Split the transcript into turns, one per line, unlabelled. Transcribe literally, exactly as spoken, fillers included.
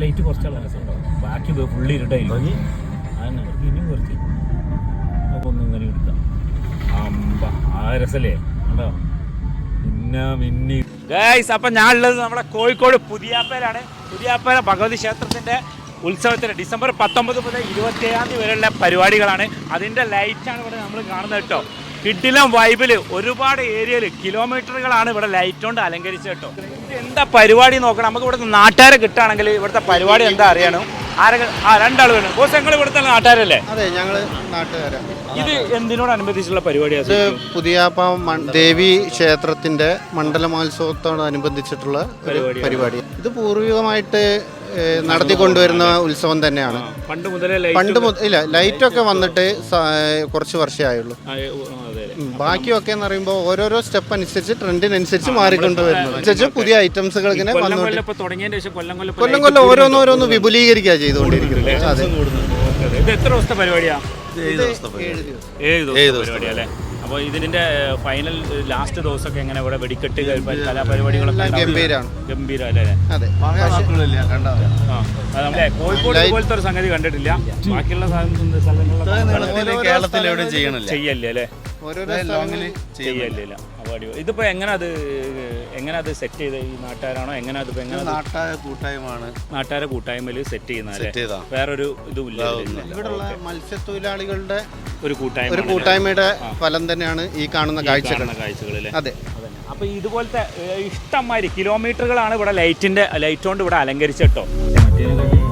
Light കുറച്ചുള്ള രസമുണ്ടാവും, ബാക്കി full ഇരുട്ടായിരിക്കും. അതന്നെ ഇനിയും കുറച്ച് അപ്പോൾ ഒന്ന് ഇങ്ങനെ എടുക്കാം. അമ്പ ആ രസല്ലേ കേട്ടോ. പിന്നെ മിന്നി ഗൈസ്, അപ്പം ഞാൻ ഉള്ളത് നമ്മുടെ കോഴിക്കോട് പുതിയാപ്പേലാണ്. പുതിയാപ്പേര ഭഗവതി ക്ഷേത്രത്തിൻ്റെ ഉത്സവത്തിന് ഡിസംബർ പത്തൊമ്പത് മുതൽ ഇരുപത്തിയേഴാം തീയതി വരെയുള്ള പരിപാടികളാണ്. അതിൻ്റെ ലൈറ്റാണ് ഇവിടെ നമ്മൾ കാണുന്നത് കേട്ടോ. കിഡിലം വൈബിൽ ഒരുപാട് ഏരിയയിൽ കിലോമീറ്ററുകളാണ് ഇവിടെ ലൈറ്റ് കൊണ്ട് അലങ്കരിച്ചത് കേട്ടോ. ഇത് എന്താ പരിപാടി നോക്കണം, നമുക്ക് ഇവിടുത്തെ നാട്ടുകാരെ കിട്ടുകയാണെങ്കിൽ ഇവിടുത്തെ പരിപാടി എന്താ അറിയണം. ആരൊക്കെ ആ രണ്ടാൾ വേണം. ബോസ് ഞങ്ങൾ ഇവിടുത്തെ നാട്ടുകാരല്ലേ?
അതെ, ഞങ്ങൾ നാട്ടുകാരാണ്.
ഇത് എന്തിനോടനുബന്ധിച്ചുള്ള പരിപാടിയാണ്?
ഇത് പുതിയാപ്പ ദേവി ക്ഷേത്രത്തിന്റെ മണ്ഡല മഹോത്സവത്തോടനുബന്ധിച്ചിട്ടുള്ള പരിപാടി. ഇത് പൂർവികമായിട്ട് നടത്തിക്കൊണ്ടുവരുന്ന ഉത്സവം തന്നെയാണ്.
പണ്ട് മുതലേ
പണ്ട് ഇല്ല ലൈറ്റൊക്കെ വന്നിട്ട് കുറച്ച് വർഷമായുള്ളൂ. ബാക്കിയൊക്കെ എന്ന് പറയുമ്പോൾ ഓരോരോ സ്റ്റെപ്പ് അനുസരിച്ച് ട്രെൻഡിനനുസരിച്ച് മാറിക്കൊണ്ടുവരുന്നത് അനുസരിച്ച് പുതിയ ഐറ്റംസുകൾ ഇങ്ങനെ കൊല്ലം കൊല്ലം ഓരോന്നോരോന്ന് വിപുലീകരിക്കുക ചെയ്തുകൊണ്ടിരിക്കുന്നത്. അതെ.
ഇത് എത്ര ദിവസത്തെ പരിപാടിയാണ്?
ഏഴ് ദിവസം.
ഏഴ് ദിവസം പരിപാടി. അപ്പോൾ ഇതിന്റെ ഫൈനൽ ലാസ്റ്റ് ദിവസമൊക്കെ എങ്ങനെ ഇവിടെ വെടിക്കെട്ട് കലാപരിപാടികളൊക്കെ
ഗംഭീരാണ്.
ഗംഭീരം അല്ലേ?
അതെ.
കോഴിക്കോട് പോലത്തെ ഒരു സംഗതി കണ്ടിട്ടില്ല. ബാക്കിയുള്ള സ്ഥലങ്ങളിലൊക്കെ
കേരളത്തിൽ എവിടെ ചെയ്യണില്ല
ചെയ്യല്ലേ അല്ലേ?
ചെയ്യല്ല.
ഇതിപ്പോ എങ്ങനെ അത് എങ്ങനെ അത് സെറ്റ് ചെയ്ത് ഈ നാട്ടുകാരാണോ എങ്ങനെ അത് എങ്ങനെ
നാട്ടുകാരെ കൂട്ടായ്മയാണ്
നാട്ടുകാരെ കൂട്ടായ്മയിൽ സെറ്റ് ചെയ്യുന്ന വേറൊരു ഇതുമില്ല.
ഇവിടെയുള്ള മത്സ്യത്തൊഴിലാളികളുടെ
ഒരു കൂട്ടായ്മ
ഒരു കൂട്ടായ്മയുടെ ഫലം തന്നെയാണ് ഈ കാണുന്ന കാഴ്ചകൾ
കാഴ്ചകളിൽ.
അതെ.
അപ്പൊ ഇതുപോലത്തെ ഇഷ്ടംമാതിരി കിലോമീറ്ററുകളാണ് ഇവിടെ ലൈറ്റിന്റെ ലൈറ്റ് കൊണ്ട് ഇവിടെ അലങ്കരിച്ചിട്ടോ.